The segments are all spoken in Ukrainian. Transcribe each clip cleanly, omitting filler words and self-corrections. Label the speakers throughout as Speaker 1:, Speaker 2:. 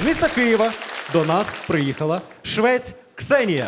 Speaker 1: З міста Києва до нас приїхала швець Ксенія.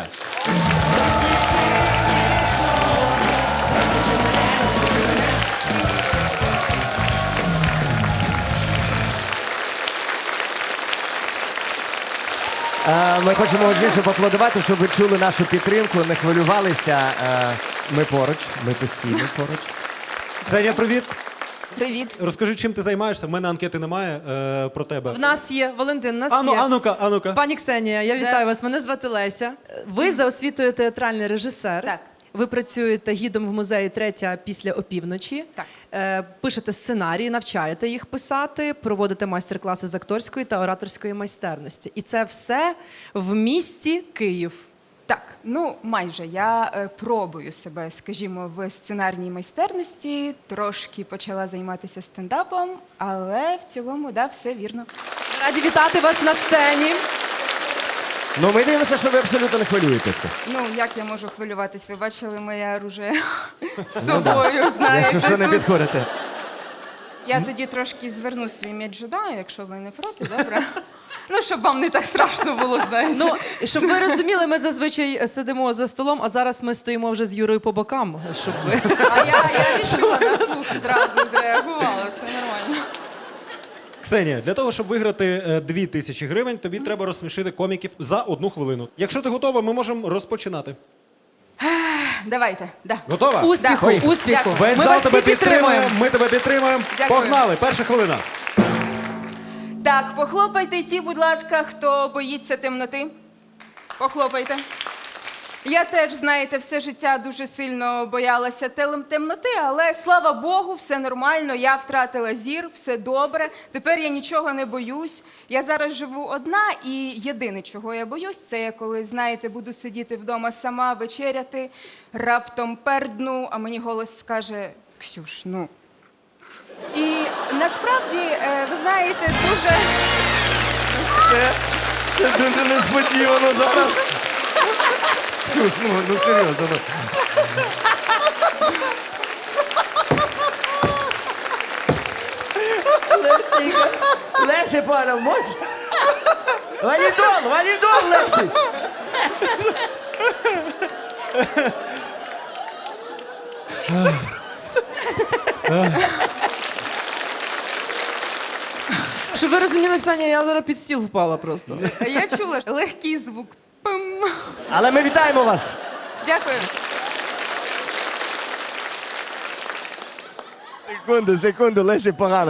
Speaker 2: Ми хочемо більше поаплодувати, щоб ви чули нашу підтримку, не хвилювалися. Ми поруч, ми постійно поруч.
Speaker 1: Ксенія, привіт.
Speaker 3: Привіт.
Speaker 1: Розкажи, чим ти займаєшся? В мене анкети немає про тебе.
Speaker 4: В нас є, Валентин, в нас
Speaker 1: Ану,
Speaker 4: є.
Speaker 1: а ну-ка.
Speaker 4: Пані Ксенія, я вітаю вас. Мене звати Леся. Ви за освітою театральний режисер.
Speaker 3: Так.
Speaker 4: Ви працюєте гідом в музеї «Третя після опівночі».
Speaker 3: Так.
Speaker 4: Пишете сценарії, навчаєте їх писати, проводите майстер-класи з акторської та ораторської майстерності. І це все в місті Київ.
Speaker 3: Так, ну майже. Я пробую себе, скажімо, в сценарній майстерності, трошки почала займатися стендапом, але в цілому, да, все вірно.
Speaker 4: Раді вітати вас на сцені.
Speaker 2: Ну, ми дивимося, що ви абсолютно не хвилюєтеся.
Speaker 3: Ну, як я можу хвилюватись? Ви бачили моє оружие з собою, знаєте.
Speaker 2: Якщо що, не
Speaker 3: тут.
Speaker 2: підходите.
Speaker 3: Я тоді трошки зверну свій меч джедаю, якщо ви не проти, добре? Ну, щоб вам не так страшно було, знаєте.
Speaker 4: Ну, щоб ви розуміли, ми зазвичай сидимо за столом, а зараз ми стоїмо вже з Юрою по бокам, щоб ви...
Speaker 3: А я відчула на слух, зразу зреагувала, все нормально.
Speaker 1: Ксенія, для того, щоб виграти 2000 гривень, тобі треба розсмішити коміків за 1 хвилину. Якщо ти готова, ми можемо розпочинати.
Speaker 3: Давайте, да.
Speaker 1: Готова?
Speaker 4: Успіху,
Speaker 3: Ой.
Speaker 4: успіху.
Speaker 3: Дякую.
Speaker 1: Весь
Speaker 4: Ми
Speaker 1: зал
Speaker 4: вас
Speaker 1: тебе
Speaker 4: всі підтримуємо.
Speaker 1: Ми тебе підтримуємо.
Speaker 3: Дякую.
Speaker 1: Погнали, перша хвилина.
Speaker 3: Так, похлопайте ті, будь ласка, хто боїться темноти. Похлопайте. Я теж, знаєте, все життя дуже сильно боялася темноти, але, слава Богу, все нормально, я втратила зір, все добре. Тепер я нічого не боюсь. Я зараз живу одна, і єдине, чого я боюсь, це я коли, знаєте, буду сидіти вдома сама, вечеряти, раптом пердну, а мені голос скаже: «Ксюш, ну». І насправді, ви знаєте, дуже...
Speaker 2: Це дуже несподівано зараз. Ксюш, ну серйозно. Лесі, пане, можеш? Валідол, Лесі!
Speaker 4: Щоб ви розуміли, Ксенія, я зараз під стіл впала просто.
Speaker 3: Я чула легкий звук. Пим.
Speaker 2: Але ми вітаємо вас.
Speaker 3: Дякую.
Speaker 2: Секунду, Лесі погано.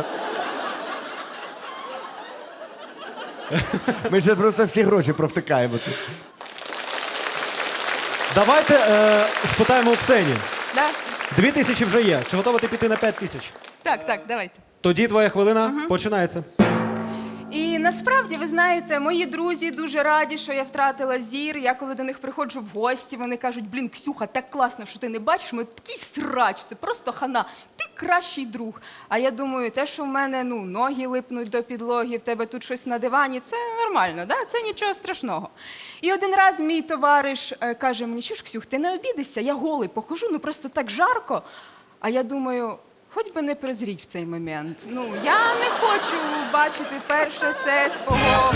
Speaker 2: Ми ще просто всі гроші провтикаємо тут.
Speaker 1: Давайте спитаємо у Ксенії.
Speaker 3: Да?
Speaker 1: 2000 вже є. Чи готова ти піти на 5000?
Speaker 3: Так, давайте.
Speaker 1: Тоді твоя хвилина починається.
Speaker 3: І насправді, ви знаєте, мої друзі дуже раді, що я втратила зір. Я коли до них приходжу в гості, вони кажуть: блін, Ксюха, так класно, що ти не бачиш, ми такий срач, це просто хана, ти кращий друг. А я думаю, те, що в мене ноги липнуть до підлоги, в тебе тут щось на дивані, це нормально, да? Це нічого страшного. І один раз мій товариш каже мені: що ж, Ксюх, ти не обідишся, я голий похожу, просто так жарко. А я думаю, хоч би не прозріть в цей момент. Я не хочу бачити перше це свого...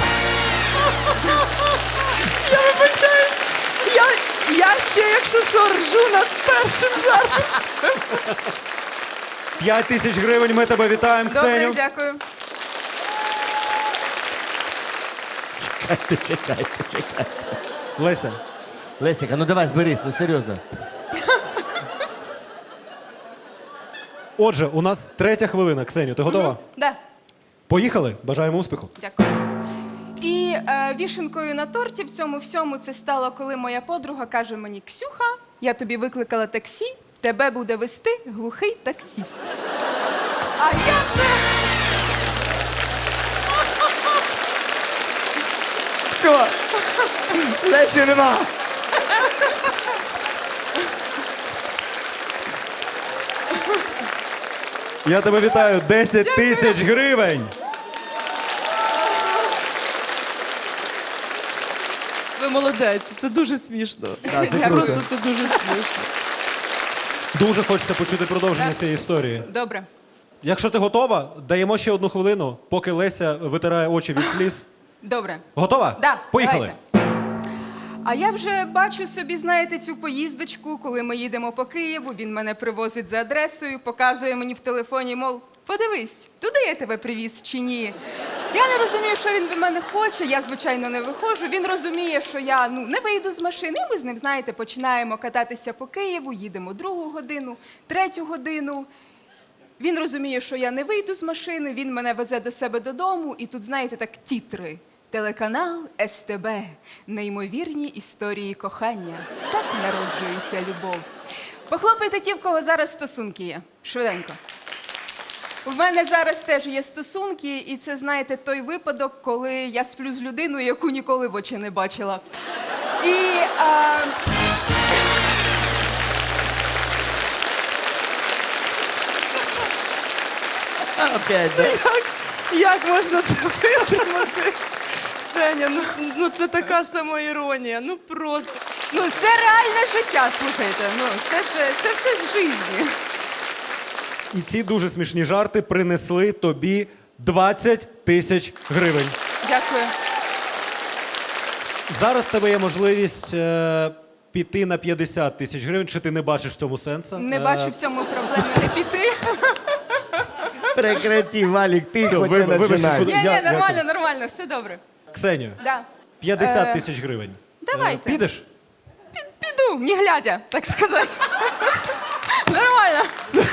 Speaker 4: Я вибачаюсь. Я ще, якщо що, ржу над першим жартом.
Speaker 1: 5000 гривень, ми тебе вітаємо,
Speaker 3: Добре,
Speaker 1: Ксеню.
Speaker 3: дякую.
Speaker 2: Чекайте.
Speaker 1: Леся,
Speaker 2: Лесіка, ну давай зберись, ну серйозно.
Speaker 1: отже, у нас 3 хвилина. Ксеню, ти готова?
Speaker 3: Да,
Speaker 1: Поїхали, бажаємо успіху.
Speaker 3: дякую. І вішенкою на торті в цьому всьому це стало, коли моя подруга каже мені: Ксюха, я тобі викликала таксі, тебе буде вести глухий таксіст. А я це...
Speaker 2: Все, Лесі нема.
Speaker 1: Я тебе вітаю, 10 000 гривень.
Speaker 4: Ви молодець, це дуже смішно.
Speaker 2: Да, це круто.
Speaker 4: Просто це дуже смішно.
Speaker 1: Дуже хочеться почути продовження цієї історії.
Speaker 3: Добре.
Speaker 1: Якщо ти готова, даємо ще 1 хвилину, поки Леся витирає очі від сліз.
Speaker 3: Добре.
Speaker 1: Готова?
Speaker 3: Да,
Speaker 1: Поїхали.
Speaker 3: давайте. А я вже бачу собі, знаєте, цю поїздочку, коли ми їдемо по Києву, він мене привозить за адресою, показує мені в телефоні, мов, подивись, туди я тебе привіз чи ні. Я не розумію, що він від мене хоче, я, звичайно, не виходжу. Він розуміє, що я не вийду з машини, і ми з ним, знаєте, починаємо кататися по Києву, їдемо 2-гу годину, 3-ю годину. Він розуміє, що я не вийду з машини, він мене везе до себе додому, і тут, знаєте, так тітри. Телеканал СТБ. Неймовірні історії кохання. Так народжується любов. Похлопайте ті, в кого зараз стосунки є. Швиденько. У мене зараз теж є стосунки, і це, знаєте, той випадок, коли я сплю з людиною, яку ніколи в очі не бачила. І...
Speaker 2: Опять, да?
Speaker 4: Як можна це витримати? Ксеня, ну це така самоіронія, ну просто.
Speaker 3: Ну, це реальне життя, слухайте. Ну, це все з житті.
Speaker 1: І ці дуже смішні жарти принесли тобі 20 тисяч гривень.
Speaker 3: Дякую.
Speaker 1: Зараз в тебе є можливість піти на 50 тисяч гривень. Чи ти не бачиш в цьому сенсу?
Speaker 3: Не бачу в цьому проблеми не піти.
Speaker 2: Прекрати, Валік, ти
Speaker 1: Все,
Speaker 2: хоч не
Speaker 1: вибачте,
Speaker 2: починай.
Speaker 1: куди-
Speaker 3: Ні,
Speaker 1: Я-
Speaker 3: нормально, нормально, все добре.
Speaker 1: Ксенію,
Speaker 3: Да.
Speaker 1: 50 тисяч гривень.
Speaker 3: давайте.
Speaker 1: Підеш?
Speaker 3: Піду, не глядя, так сказати. Нормально.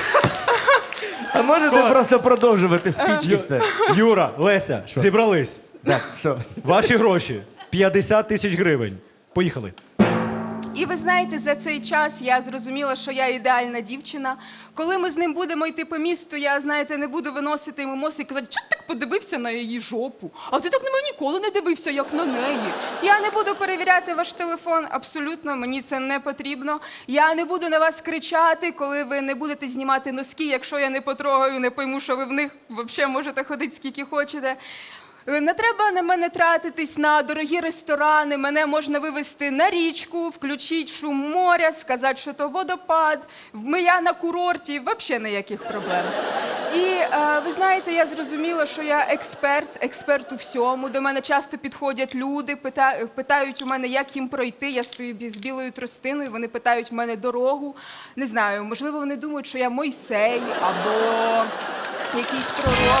Speaker 2: А можете просто продовжувати спіч і все?
Speaker 1: Юра, Леся, зібрались.
Speaker 2: Так, все.
Speaker 1: Ваші гроші 50 тисяч гривень. Поїхали.
Speaker 3: І ви знаєте, за цей час я зрозуміла, що я ідеальна дівчина. Коли ми з ним будемо йти по місту, я, знаєте, не буду виносити йому мозок і казати, чого ти так подивився на її жопу? А ти так на мене ніколи не дивився, як на неї. Я не буду перевіряти ваш телефон, абсолютно, мені це не потрібно. Я не буду на вас кричати, коли ви не будете знімати носки, якщо я не потрогаю, не пойму, що ви в них взагалі можете ходити скільки хочете. Не треба на мене тратитись на дорогі ресторани, мене можна вивезти на річку, включити шум моря, сказати, що то водопад, я на курорті, взагалі ніяких проблем. І ви знаєте, я зрозуміла, що я експерт у всьому. До мене часто підходять люди, питають у мене, як їм пройти. Я стою з білою тростиною, вони питають в мене дорогу. Не знаю, можливо, вони думають, що я Мойсей або якийсь пророк.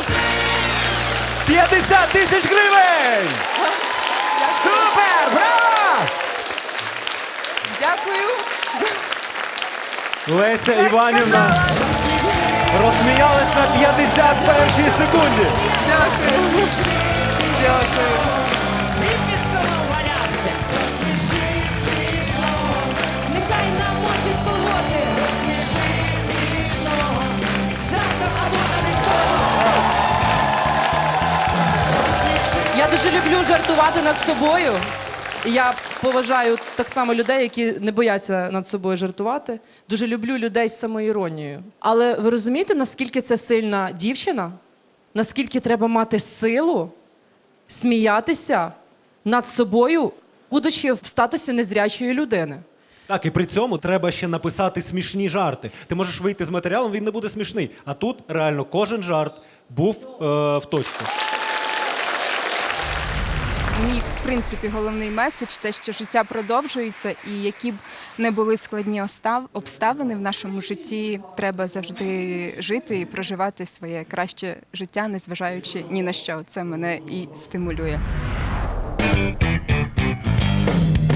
Speaker 2: 50 тисяч гривень! Супер! Браво!
Speaker 3: Дякую.
Speaker 1: Леся Іванівна розсміялась на 51-й секунді.
Speaker 3: Дякую. Дякую.
Speaker 5: Нехай намочить колоти. Жартом або анекдотом.
Speaker 4: Я дуже люблю жартувати над собою. І я поважаю так само людей, які не бояться над собою жартувати. Дуже люблю людей з самоіронією. Але ви розумієте, наскільки це сильна дівчина? Наскільки треба мати силу сміятися над собою, будучи в статусі незрячої людини?
Speaker 1: Так, і при цьому треба ще написати смішні жарти. Ти можеш вийти з матеріалом, він не буде смішний. А тут реально кожен жарт був в точку.
Speaker 3: Мій, в принципі, головний меседж те, що життя продовжується, і які б не були складні обставини в нашому житті, треба завжди жити і проживати своє краще життя, незважаючи ні на що. Це мене і стимулює.